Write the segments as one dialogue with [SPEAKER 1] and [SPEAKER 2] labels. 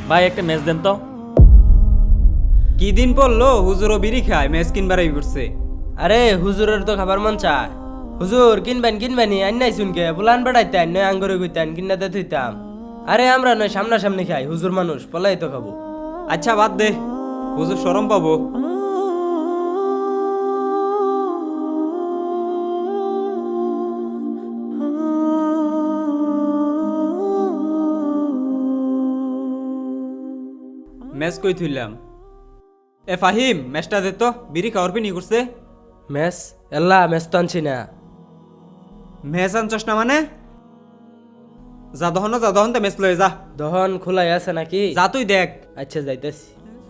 [SPEAKER 1] ভাই একটা ম্যাচ দেন তো।
[SPEAKER 2] কি দিন পড়লো হুজুরও বিড়ি খায় ম্যাচ কিনবার পড়ছে।
[SPEAKER 3] আরে হুজুরের তো খাবার মন চায়। হুজুর কিনবেনি আইনাই শুনকে বুলান বেড়াইতেন নয় আঙ্গুরে গুইতেন কিনাতে থইতাম। আরে আমরা নয় সামনাসামনি খাই, হুজুর মানুষ পলাই তো খাবো।
[SPEAKER 2] আচ্ছা বাদ দে, হুজুর শরম পাবো। ম্যাচ কই থইলাম। এ ফাহিম ম্যাচটা দে তো, বিড়ি খাওয়ার পিনি করছে।
[SPEAKER 3] মেস মেস তো আনছি না।
[SPEAKER 2] ম্যাচ আনছস না মানে? যা দহন তো ম্যাচ লয়ে যা।
[SPEAKER 3] দহন খোলাই আছে নাকি?
[SPEAKER 2] যা তুই দেখ।
[SPEAKER 3] আচ্ছা যাইতেছি।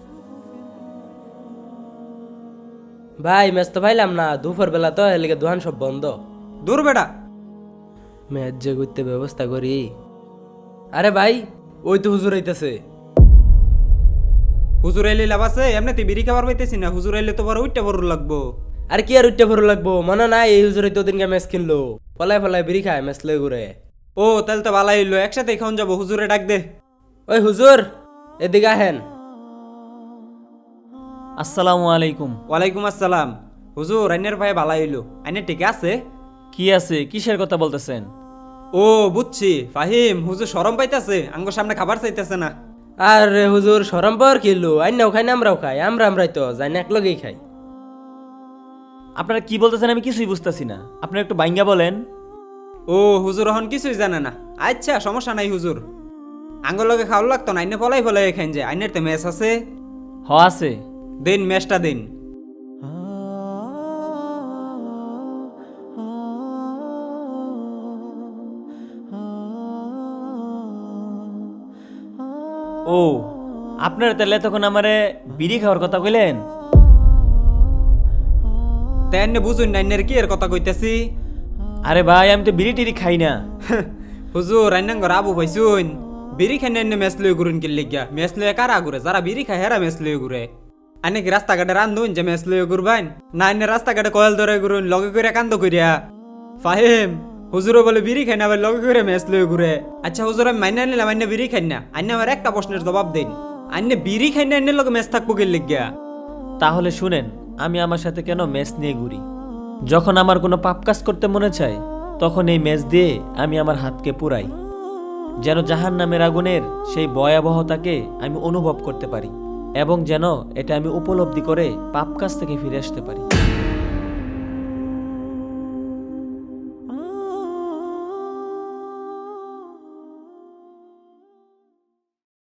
[SPEAKER 3] ভাই ম্যাচ তো পাইলাম না, দুপুর বেলা তো এলিগে দোকান সব বন্ধ।
[SPEAKER 2] দূর বেটা।
[SPEAKER 3] ম্যাচ যে করতে ব্যবস্থা করি। আরে ভাই ওই তো হুজুর আইতাছে।
[SPEAKER 2] হুজুর এলে লাভ আছে? এমনি তুই বিড়ি খাবার পাইতেছি না, হুজুর এলে তো বড় উইটা বড় লাগবো।
[SPEAKER 3] আর কি আর উঠতে ভরো লাগবো, মনে নাই এই হুজুর তো দিনকে ম্যাচ কিনলো, পলাই পলাই বিড়ি খায় ম্যাচ লই ঘুরে।
[SPEAKER 2] ও তাহলে তো ভালাই হইলো, একসাথে খাওন যাবো। হুজুরে ডাক দে।
[SPEAKER 3] ওই হুজুর এদিকে আহেন।
[SPEAKER 1] আসসালামু আলাইকুম।
[SPEAKER 2] ওয়ালাইকুম আসসালাম। হুজুর আইনের ভাই ভালাই হইলো, আইনের ঠিক আছে?
[SPEAKER 1] কি আছে, কিসের কথা বলতেছেন?
[SPEAKER 2] ও বুঝছি ফাহিম, হুজুর শরম পাইতাছে, আঙ্গুর সামনে খাবার চাইতেছে না।
[SPEAKER 3] আর হুজুর সরম পাওয়ার কিলো, আইনাও খাই না আমরাও খাই, আমরাই তো যাই না একলগেই খাই।
[SPEAKER 1] আপনারা কি বলতেছেন আমি কিছুই বুঝতেছি না, আপনারা একটু বাইঙ্গা বলেন।
[SPEAKER 2] ও হুজুর এখন কিছুই জানে না। আচ্ছা সমস্যা নাই হুজুর, আঙ্গুর লগে খাওয়া লাগতো না, আইনে ফলাই খাইন যে। আইনের তো ম্যাচ আছে।
[SPEAKER 1] হ আছে।
[SPEAKER 2] দিন ম্যাচটা দিন।
[SPEAKER 1] ও আপনারা তাহলে তখন আমারে বিড়ি খাওয়ার কথা কইলেন?
[SPEAKER 2] তাই আইনে বুঝুন না আইনের কি এর কথা কইতেছি।
[SPEAKER 1] আরে ভাই আমি তো বিড়ি টিড়ি খাই না।
[SPEAKER 2] হুজুর আইনাঙ্গর আবু ভাইসুন, বিড়ি খাই না ম্যাচ লয়ে ঘুরুন কি লিগা? ম্যাচ লয়ে কারা ঘুরে? যারা বিড়ি খায় হেরা ম্যাচ লয়ে ঘুরে। আইনে কি রাস্তাঘাটে রান্ধুন যে ম্যাচ লয়ে ঘুরবাইন? না আইনে রাস্তাঘাটে কয়েল ধরে ঘুরুন লগে করে কান্দ করিয়া? ফাহিম হুজুরও বলে বিড়ি খাই না, আবার লগে করে ম্যাচ লয়ে ঘুরে। আচ্ছা হুজুর আমি মাইনা নিলাম আইনে বিড়ি খাই না, আইনে আমার একটা প্রশ্নের জবাব দিন। আইনে বিড়ি খাই না আইনের লগে ম্যাচ থাকবো কি লিগা?
[SPEAKER 1] তাহলে শুনেন, আমি আমার সাথে কেন ম্যাচ নিয়ে ঘুরি? যখন আমার কোনো পাপ কাজ করতে মনে চায় তখন এই ম্যাচ দিয়ে আমি আমার হাতকে পুরাই, যেন জাহান্নামের আগুনের সেই ভয়াবহতাকে আমি অনুভব করতে পারি এবং যেন এটা আমি উপলব্ধি করে পাপ কাজ থেকে ফিরে আসতে পারি।